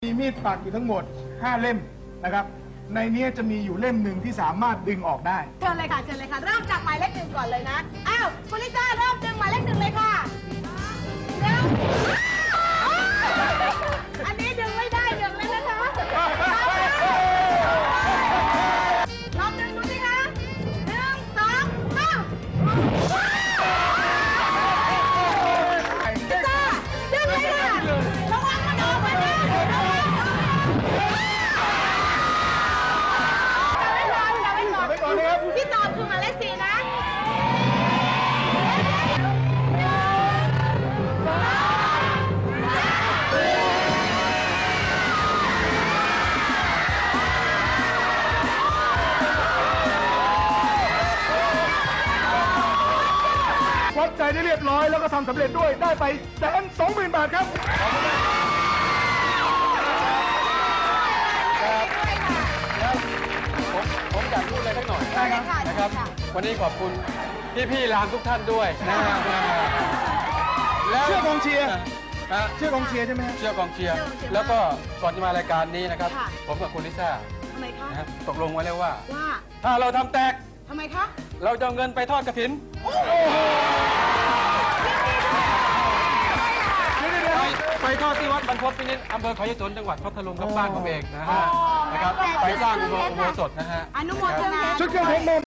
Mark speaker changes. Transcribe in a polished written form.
Speaker 1: มีมีดปักอยู่ทั้งหมด5เล่มนะครับในนี้จะมีอยู่เล่มหนึ่งที่สามารถดึงออกได้
Speaker 2: เชิญเลยค่ะเชิญเลยค่ะเริ่มจากหมายเลข 1ก่อนเลยนะอ้าวคุณลิซ่าเริ่มดึงหมายเลข 1เลยค่ะเร็วอันนี้ดึงไม่ได้ดึงเลยนะคะลองดึงดูสิคะ1 2 3ลิซ่าดึงเลยค่ะระวังมันออกมานะที่ตอบคือหมายเลข 4นะ
Speaker 1: วัดใจได้เรียบร้อยแล้วก็ทำสำเร็จด้วยได้ไป120,000 บาทครับ
Speaker 3: ผมอยากพูดอะไรสักหน่อย
Speaker 2: ได้ครับ
Speaker 3: นะครับ วันนี้ขอบคุณพี่ๆรามทุกท่านด้วยนะครับแล้ว
Speaker 1: เชื่อกองเชียร์
Speaker 3: นะ
Speaker 1: เชื่อกองเชียร์ใช่ไหมครับ
Speaker 3: เชื่อกองเชียร์แล้วก็ก่อนจะมารายการนี้นะครับ ผมกับคุณลิซ่า
Speaker 2: ทำไมคะ
Speaker 3: นะครับตกลงไว้แล้วว่า
Speaker 2: ว่า
Speaker 3: ถ้าเราทำแตก
Speaker 2: ทำไมคะ
Speaker 3: เราจะเอาเงินไปทอดกฐินไปทอดที่วัดบรรพตพินิจอำเภอเขายะสนจังหวัดพัทลุงครับบ้านผมเองนะฮะนะครับไปสร้างอุโบสถนะฮะ
Speaker 2: อนุโมทนา
Speaker 1: ชุดเครื่องเพชร